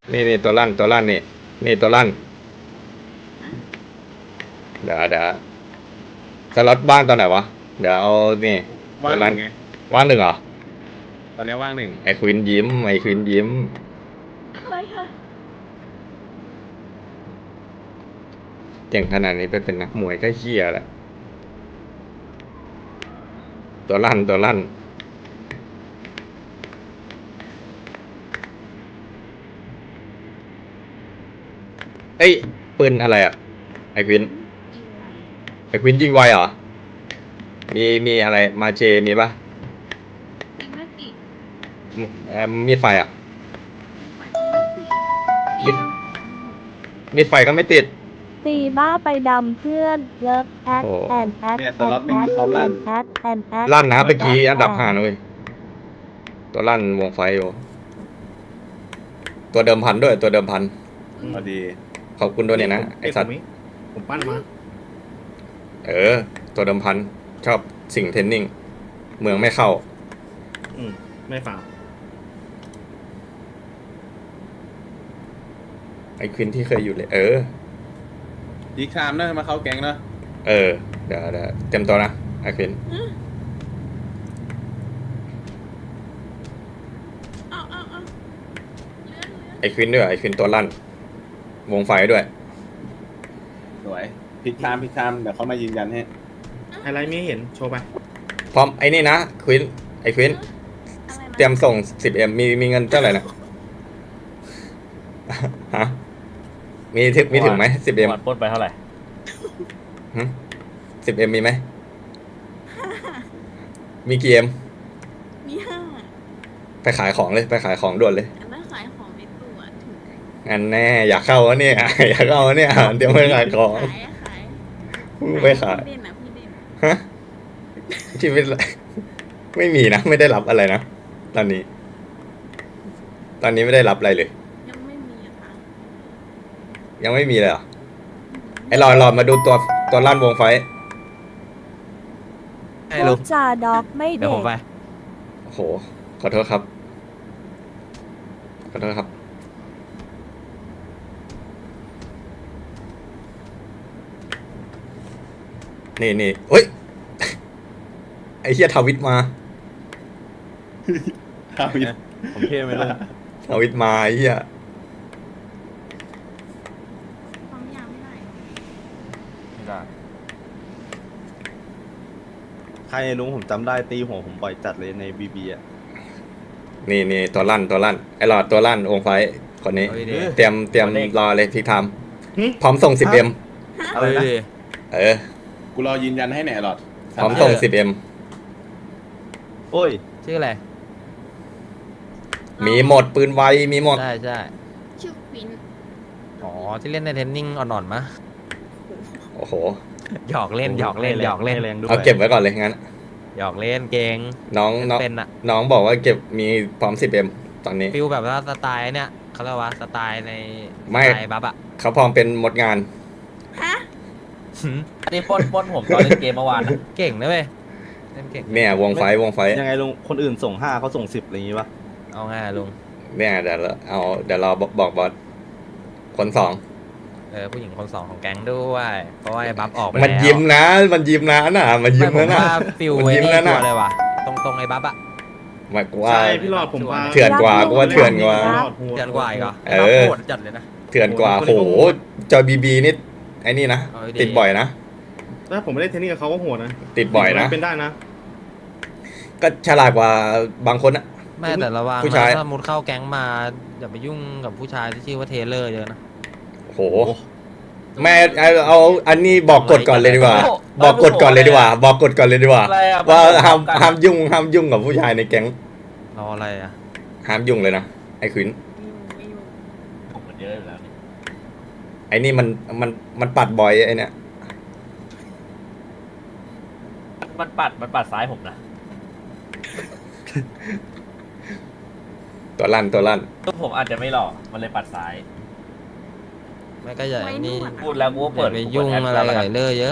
นี่ตัวลั่นนี่ตัวลั่นเดี๋ยวสล็อตบ้างตอนไหนวะเดี๋ยวเอานี่ว่างตัวลั่นไงว่างหนึ่งเหรอตอนนี้ว่างหนึ่งไอ้ควินยิ้มอะไรคะเก่งขนาดนี้ไปเป็นนักมวยก็เหี้ยแหละตัวลั่นเอ้ยปืนอะไรอ่ะไอ้ควินยิงไวเหรอมีอะไรมาเจมีปะอีกไม่ติดมีดไฟอ่ะมีดไฟก็ไม่ติดตีบ้าไปดำเพื่อนเลิฟแอดโอ้แอนแอดเนี่ยแอตลอดดเป็นตอนลั่นแอดแอนแอดลั่นนะเมื่อกี้อันดับ5เลยตัวลั่นวงไฟอยู่ตัวเดิมพันด้วยตัวเดิมพันพอดีขอบคุณด้วยเนี่ยนะไอสัตว์ผมปั้นมาตัวเดิมพันชอบสิ่งเทรนนิ่งเมืองไม่เข้าไม่ฝ่าไอควินที่เคยอยู่เลยอีกชามนะมาเข้าแก๊งนะเดี๋ยวเต็มตัวนะไอควินเอาเลื่อนไอควินด้วยไอควินตัวลั่นวงไฟด้วยสวยพลิกชามเดี๋ยวเขามายืนยันให้อะไรไม่เห็นโชว์ไปพร้อมไอนี่นะควินไอควินอะไรนะเตรียมส่ง 10M มีเงินเท่าไหร่นะ ฮะมีถึงไหม 10M วันปล้นไปเท่าไหร่ 10M มีไหมมีกี่ M มีห้าไปขายของเลยไปขายของด่วนเลยอันนั้นขายของในตัวถูกงั้นแน่อยากเข้าวะเนี่ย อยากเข้าวะเนี่ยเดี๋ยวไปขายของขายไปขายพี่เด่นนะพี่เด่นฮะชีวิตไม่มีนะไม่ได้รับอะไรนะตอนนี้ไม่ได้รับอะไรเลยยังไม่มีอะค่ะยังไม่มีเลยเหรอไอ้รอมาดูตัวลั่นวงไฟให้พูลุดงจาด็อกไม่เดี๋ยวเด็ผกมไปโอ้โหขอโทษครับนี่เฮ้ย ไอ้เฮียทาวิทมาครับผมเท่ไหมลุงทาวิทมาไอ้เฮียความยาวไม่ได้ไม่ได้ใครลุงผมจำได้ตีหัวผมบ่อยจัดเลยในบีบีอ่ะนี่ตัวลั่นไอ้หลอดตัวลั่นวงไฟคนนี้เอาดีเตรียมรอเลยพิกไทม์พร้อมส่ง 10M เอาดีกูรอยืนยันให้แหน่หลอดพร้อมส่ง 10M โอ้ยชื่ออะไรมีหมดปืนไวมีหมดใช่ชื่อควินอ๋อที่เล่นในเทรนนิ่งอ่อนๆมะโอ้โหหยอกเล่นแรงด้วยเอาเก็บไว้ก่อนเลยงั้นหยอกเล่นเก่งน้องเป็นอะน้องบอกว่าเก็บมีพร้อม 10M ตอนนี้ฟิลแบบว่าสไตล์เนี่ยเขาเรียกว่าสไตล์ในไม่สไตล์บัฟอะเขาพร้อมเป็นหมดงานฮะอันนี้ปล้นผมตอนเล่นเกมเมื่อวานเก่งนะเว้ยเล่นเก่งเนี่ยวงไฟยังไงลุงคนอื่นส่ง5เขาส่ง10อะไรอย่างงี้ปะเอาง่ายลุงเนี่ยเดี๋ยวเราบอกบอสคนสองผู้หญิงคนสองของแก๊งด้วยเพราะว่าไอ้บัฟออกไปแล้วมันยิ้มนะมันยิ้มนะน่ะมันยิ้มไม่นะผมน่ะว่าฟิลมันไอ้ยิ้มนี่แล้วตัน่ะวเลยว่ะตรงไอ้บัฟอะหมายกูว่าใช่พี่หลอดผมว่าเถื่อนกว่ากูว่าเถื่อนกว่าเดือนกว่าอีกเหรอเออโหดจัดเลยนะเถื่อนกว่าโหจอยบีนี่ไอ้นี่นะเอาดีติดบ่อยนะถ้าผมไม่ได้เทนนิสกับเขาก็โหดนะติดบ่อยนะเป็นได้นะก็ฉลาดกว่าบางคนอะไม่แต่ระวังผู้นะชายถ้ามุดเข้าแก๊งมาอย่าไปยุ่งกับผู้ชายที่ชื่อว่าเทเลอร์เยอะนะโหแม่เอาอันนี้บอกกฎก่อนเลยดีกว่า บอกกฎก่อนเลยดีกว่า บอกกฎก่อนเลยดีกว่าอะไรอะว่าห้ามยุ่งกับผู้ชายในแก๊งรออะไรอะห้ามยุ่งเลยนะไอ้ขวินไม่อยู่ผมมันเยอะอยู่แล้วไอ้นี่มันปัดบ่อยไอ้เนี่ยมันปัดซ้ายผมนะตัวลั่นผมอาจจะไม่หล่อมันเลยปัดซ้ายไม่ก็อย่านี่พูดแล้วกูก็เปิเปิดดไปยุ่งแอปอะไรแล้วกับกันเลอเยอะ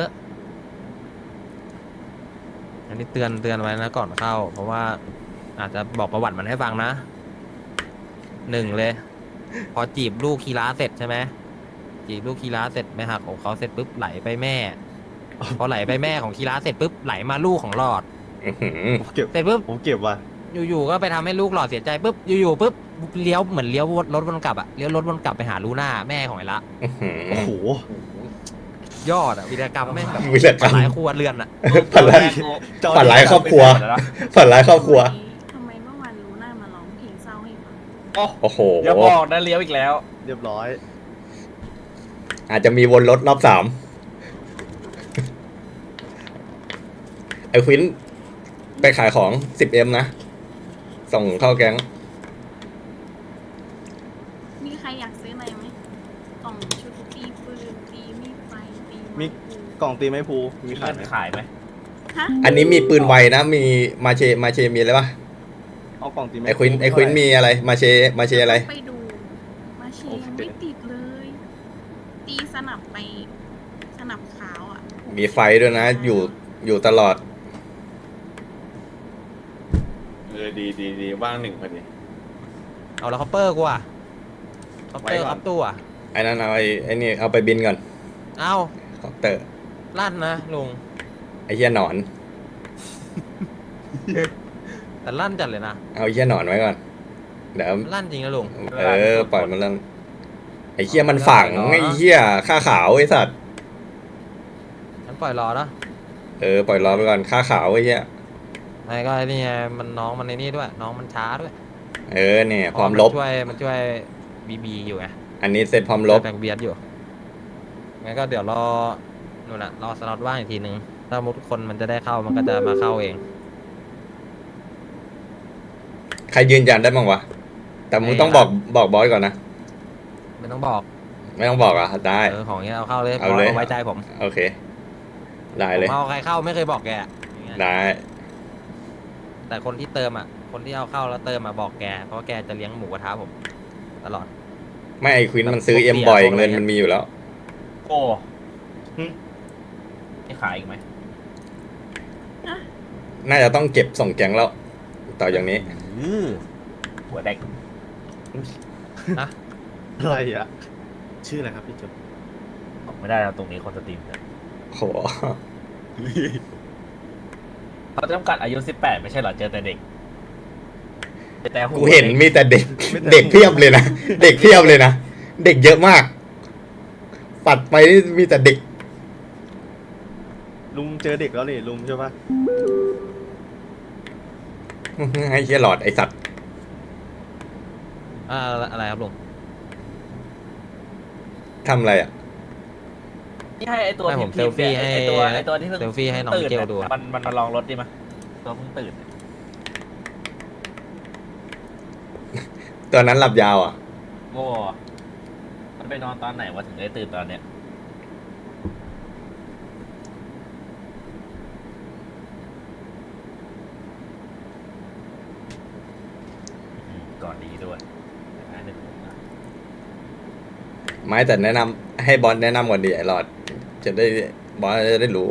อันนี้เตือนไว้นะก่อนเข้า เพราะว่าอาจจะบอกประวัติมันให้ฟังนะ1เลยพอจีบลูกคีราเสร็จใช่ไหมจีบลูกคีราเสร็จไม่หักของเขาเสร็จปุ๊บไหลไปแม่ พอไหลไปแม่ของคีราเสร็จปุ๊บไหลมาลูกของหลอดอื้อหือผมเก็บเสร็จปุ๊บผมเก็บว่ะอยู่ๆก็ไปทำให้ลูกหลอดเสียใจปุ๊บอยู่ๆปุ๊บเลี้ยวเหมือนเลี้ยวรถวนกลับอะเลี้ยวรถวนกลับไปหาลูน่าแม่ของไอ้ละอื้อหือโอ้โหยอดอะวีรกรรมแม่งแบบวีรกรรมหลายครัวเรือนอะฝันร้ายฝันร้ายครอบครัวฝันร้ายครอบครัวทำไมเมื่อวานรู้หน้ามาร้องเพลงเศร้าให้ฟังโอ้โหอย่าบอกนะเลี้ยวอีกแล้วเรียบร้อยอาจจะมีวนรถรอบสามไอ้ควินไปขายของ 10M นะ ส่งเข้าแก๊งมีใครอยากซื้ออะไรไหมกล่องชุดตีปืนตีมีดไฟตีมีไม้กล่องตีไม้ภูมีขายไหมขายไหมฮะอันนี้มีปืนไวนะ มีมาเชมีอะไรปะเอากล่องตีไม้ไอ้ควินมีอะไร มาเชอะไรไปดูมาเชยงไม่ติดเลย ตีสนับไปสนับขาวอ่ะมีไฟด้วยนะ อยู่ตลอดดีว่างหนึ่งพอดีเอาแล้วคอปเปอร์กูอะคอปเปอร์ไว้ก่อนคอปตู้อะไอ้นั่นเอาไอ้นี่เอาไปบินก่อนเอาคอปเตอร์ลั่นนะลุงไอ้เหี้ยหนอนแต่ลั่นจัดเลยนะเอาไอ้เหี้ยหนอนไว้ก่อน เดี๋ยวลั่นจริงนะลุงปล่อยมันแล้วไอ้เหี้ยมันฝังไอ้เหี้ยค่าขาวไอ้สัตว์ฉันปล่อยรอนะปล่อยรอไปก่อนค่าขาวไอ้เหี้ยไอ้ก็ไอ้นี่ไงมันน้องมันในนี่ด้วย น้องมันช้าด้วยเนี่ยพร้อมลบมันช่วยบีอยู่ไงอันนี้เสร็จพร้อมลบแบ่งเบียดอยู่งั้นก็เดี๋ยวรอนู่นน่ะรอสล็อตว่างอีกทีนึงถ้ามุดคนมันจะได้เข้ามันก็จะมาเข้าเองใครยืนยันได้บ้างวะ แต่มึงต้องบอกบอสก่อนนะไม่ต้องบอกไม่ต้องบอกอ่ะ ได้ของเงี้ยเอาเข้าเลยเอาเลยไว้ใจผมโอเค ได้เลยผมเอาใครเข้าไม่เคยบอกแกอย่างเงี้ยได้แต่คนที่เติมอ่ะคนที่เอาเข้าแล้วเติมมาบอกแกเพราะว่าแกจะเลี้ยงหมูกระทะผมตลอดไม่ไอควินมันซื้อเอ็มบ่อยเงินมันมีอยู่แล้วโอ้ไม่ขายอีกไหมน่าจะต้องเก็บส่งแก๊งแล้ว ต่ออย่างนี้หัวแดกนะอะไรอ่ะ ชื่ออะไรครับพี่จุ๊บบอกไม่ได้แล้วตรงนี้คนสตรีมเนี่ยโหเขาจำกัดอายุ18ไม่ใช่เหรอเจอแต่เด็กแต่หัวกูเห็นมีแต่เด็ก เด็กเพียบเลยนะ เด็กเพียบเลยนะ เด็กเยอะมาก ปัดไปนี่มีแต่เด็กลุงเจอเด็กแล้วนี่ลุงใช่ปะไอ้เหี้ยหลอดไอ้สัตว์อะไรครับลุงทำอะไรอ่ะนี่ให้ไอตัวให้ผมทีเซลฟี่ให้ไอตัวที่เพิ่งเซลฟี่ให้น้องตื่นเกลดูอะมันมาลองรถดิมาตัวเพิ่งตื่นตัวนั้นหลับยาวอ่ะโง่มันไปนอนตอนไหนวะถึงได้ตื่นตอนเนี้ยก่อนดีด้วยอันหนึ่งผมนะไม่แต่แนะนำให้บอสแนะนำก่อนดีไอ้หลอด จะได้บอสจะได้รู้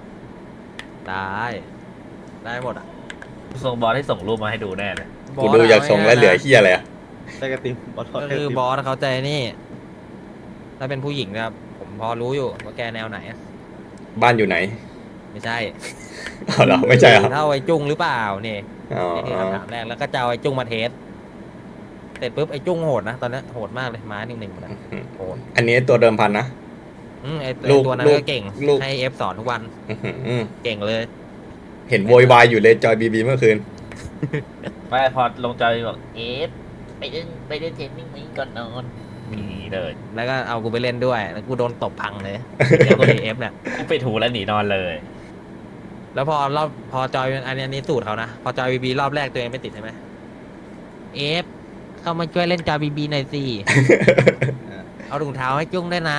ได้หมดอ่ะส่งบอลให้ส่งรูปมาให้ดูแน่เลยกูดูอยากส่งแล้วเหลือเหี้ยอะไรอ่ะได้กระติมบอสทอดก็ได้กคือระติมบอสเขาใจนี่ ถ้าเป็นผู้หญิงนะครับผมพอรู้อยู่ว่าแกแนวไหนอะบ้านอยู่ไหนไม่ใช่เอาเหรอไม่ใช่เหรอเท่าไอ้จุ้งหรือเปล่านี่อ๋อนี่คือคำถามแรกแล้วก็จะเอาไอ้จุ้งมาเทสเสร็จปุ๊บไอ้จุ้งโหดนะตอนนี้โหดมากเลยม้าหนึ่งๆนะโหดอันนี้ตัวเดิมพันนะไอ้ลูกตัวนั้นลูกก็เก่งลูกให้เอฟสอนทุกวันอื้อหือเก่งเลยเห็นโวยวายอยู่เลยจอยบีเมื่อคืนไม่พอลงจอยบอกเอฟไปเล่นเทนนิ่งนี้ก่อนนอนมีเลยแล้วก็เอากูไปเล่นด้วยแล้วกูโดนตบพังเลยเดี๋ยวตัวเอฟเนี่ยกูไปถูแล้วหนีนอนเลยแล้วพอจอยอันนี้สูตรเขานะพอจอยบีรอบแรกตัวเองไม่ติดใช่ไหมเอฟเข้ามาช่วยเล่นจอยบีหน่อยสิ เอาถุงเท้าให้จุ้งด้วยนะ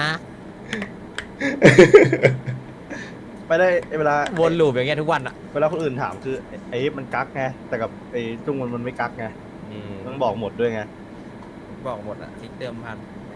ไปได้เวลาวนลูปอย่างเงี้ยทุกวันอ่ะเวลาคนอื่นถามคือไอ้มันกักไงแต่กับไอ้จุ้งมันไม่กักไงต้องบอกหมดด้วยไงบอกหมดอ่ะทิกเติมพัน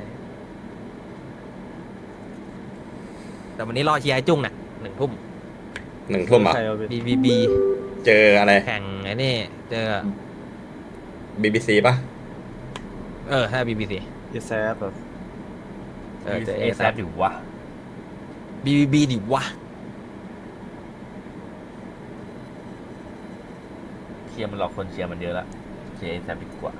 แต่วันนี้รอเชียร์ไอ้จุ้งน่ะ1 ทุ่ม 1 ทุ่มอ่ะใครเอาไปบีเจออะไรแข่งไอ้นี่เจอ BBC ป่ะถ้าบีบีซีแซฟแบบเออเจอเอแซ ASAP อยู่วะ BBB ดิวะเชียร์มันหลอกคนเชียร์มันเยอะละเชียร์เอแซดีกว่า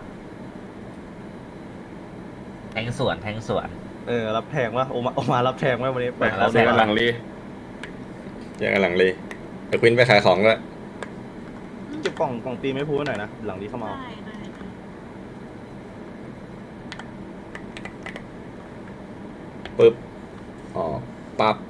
แทงสวนรับแทงว่าโอมารับแทงว่าวันนี้ไปแล้เราวเสียกำลังรียังกำลังเลยไอ้ควินไปขายของด้วยเก็บกล่องตีไม่พูดหน่อยนะหลังนี้เข้ามาได้ได้ได้ปึ๊บอ๋อปั๊บ